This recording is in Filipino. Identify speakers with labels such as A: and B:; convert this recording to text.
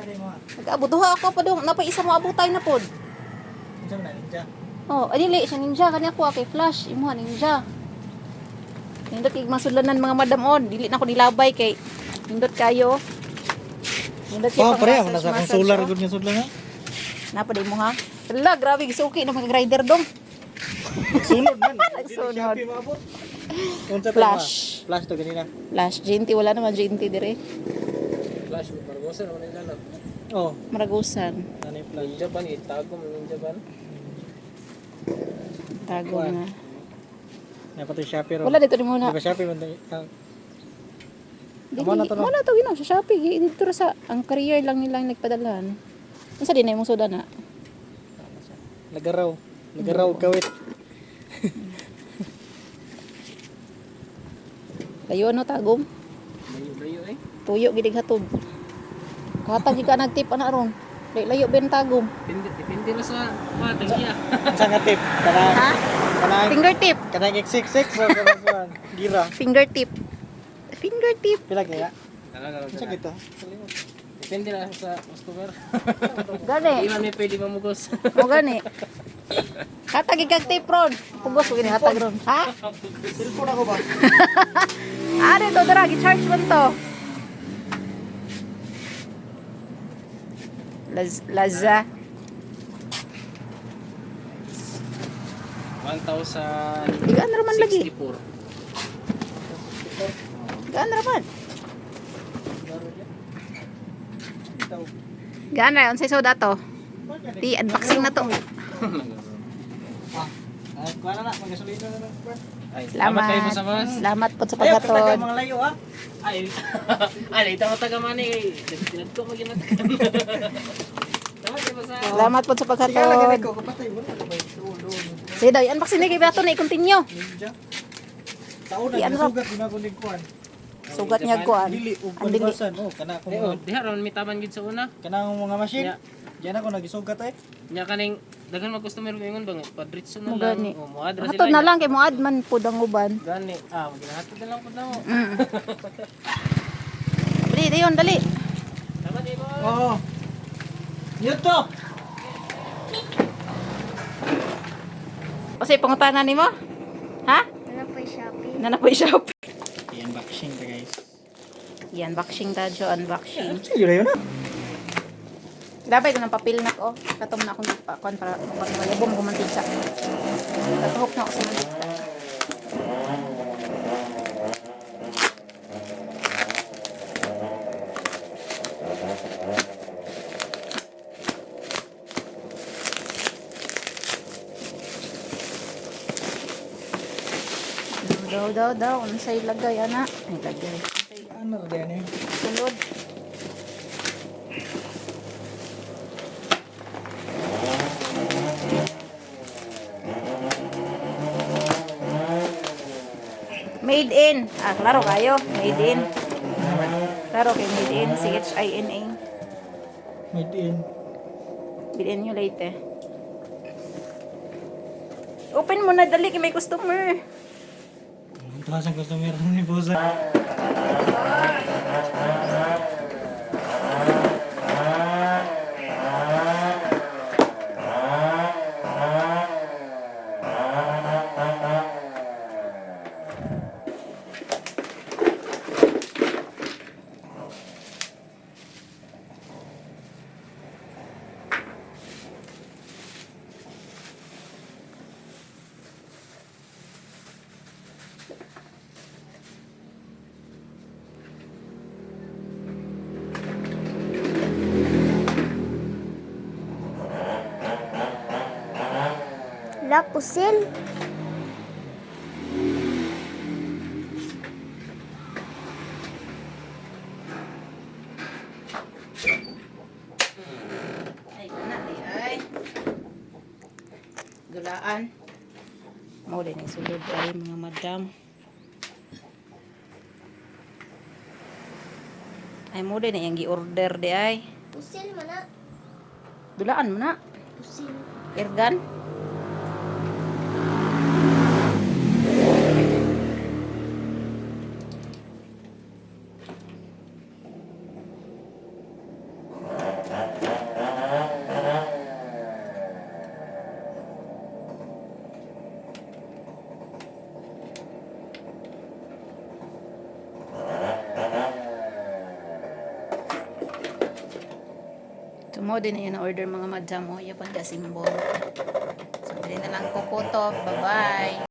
A: Nag-abot duha ako pa dong napay isa mo abutay na pod.
B: Unsa man ninja?
A: Oh, adili siya ninja kani ako kay Flash imuha ninja. Nindot kay masudlanan mga madam on, dili na ko nilabay kay nindot kayo. Nindot kay
B: Oh, pare,
A: pang-massage,
B: nasa kang
A: massage,
B: solar
A: oh.
B: gud nga sudlan ha.
A: Napa day mo ha? Ala, grabe gisuki na mga rider dong.
B: Sunod man.
A: Nagsunod.
B: Shopee maabot. Unsa to?
A: Flash.
B: Flash to ganina.
A: Flash GNT wala naman GNT dire.
C: Flash, Barbosa naman nila na.
B: Oh,
A: Maragusan.
B: ano yung flash?
C: Ninja ban, itago mo ninja ban.
A: Tago na.
B: Yan pa to Shopee ro.
A: Wala dito ni muna.
B: Di ba Shopee man to?
A: Dili,
B: Amo na to, no?
A: wala to ginaw sa Shopee. Dito ra sa ang career lang nila ang nagpadalhan. Unsa din ay mong soda na?
B: Nagaraw. Nagaraw kawit.
A: Layo ano tagom?
C: Layo-layo eh.
A: Tuyo gidig hatod. Katag ka nagtip ana ron. Layo ben tagom.
C: Depende na sa matagya.
B: Unsa nga tip? Kanang
A: Ha?
B: kanang
A: Fingertip.
B: kanang X66 o kanang kuan? Gira.
A: Fingertip. Fingertip.
B: Pila kaya?
C: Talaga.
B: Unsa kita?
C: Depende na sa customer.
A: Gani.
C: Iman may pwede mamugos.
A: O gani. Hatag kag tip ron. Pugos ko gini hatag ron. Ha?
B: Cellphone ako ba?
A: Ari to dara gi-charge man to. Laza.
C: 1,064.
A: Igaan raman lagi. Gaan raman. Gaan ra unsay soda to? Di unboxing na to.
B: Kuha na na, magasolina na lang.
C: Ay,
A: Salamat.
C: kayo po sa boss.
A: Salamat po sa
B: Ayaw, kataga
A: paghatod.
B: mga layo ha.
C: Ay, ay, ito mo taga mani kay. Tinad ko maginatagan. Tama kayo po sa.
A: Salamat po sa
B: Ikaw lagi
A: paghatod.
B: ko, kapatay mo na. Kapay, doon.
A: Sige daw, unboxing ni kay Bato na i-continue.
B: Ninja. Taon na,
A: Iyan,
B: nasugat ginagulig kuhan.
A: Sugat niya kuan.
B: Dili, ug
A: Ang dili.
B: palibasan. Oh, kana akong
C: Eh, oh,
B: mga,
C: diha ron may taban gid sa una.
B: kana akong mga machine.
C: Yeah.
B: Diyan ako nagisugat eh.
C: Nya kaning daghan mag customer mingon bang padritso na
A: Mo
C: lang.
A: gani.
C: O moadra
A: Hatod
C: sila.
A: na lang kay mo adman pud ang uban.
C: Gani. Ah, maginahatod na lang pud na mo.
A: Dali, dayon, dali.
C: Tama di mo.
B: Oo. Yun to.
A: O say pangutanan nimo? Ha? Nanapoy Shopee.
B: Yan, unboxing ta guys.
A: Yan, unboxing ta jo, unboxing.
B: Sige na yun ha.
A: Labay ko ng papel na ko. Katom na akong kuan para malubong ko mantika. Tatuhok na ako sa mantika. Daw. Ano sa'yo lagay, ana? Ay, lagay.
B: Ano na yan eh.
A: Sulod. Made in. Ah, klaro kayo. Made in. Klaro kayo, made in. CHINA.
B: Made in.
A: Bilhin nyo later. Open mo na, dali, kay may customer.
B: Ang taas ang customer ni Bosa.
D: La pusil.
A: Ay, ay. Dulaan. Mau din ay sulod ay mga madam. Ay mo din ay ang gi-order di ay.
D: Pusil mana?
A: Dulaan mo na.
D: Pusil.
A: Ergan. So, mo din na yun order mga madam. O, yung pang symbol. So, dili na lang ko to. Bye-bye.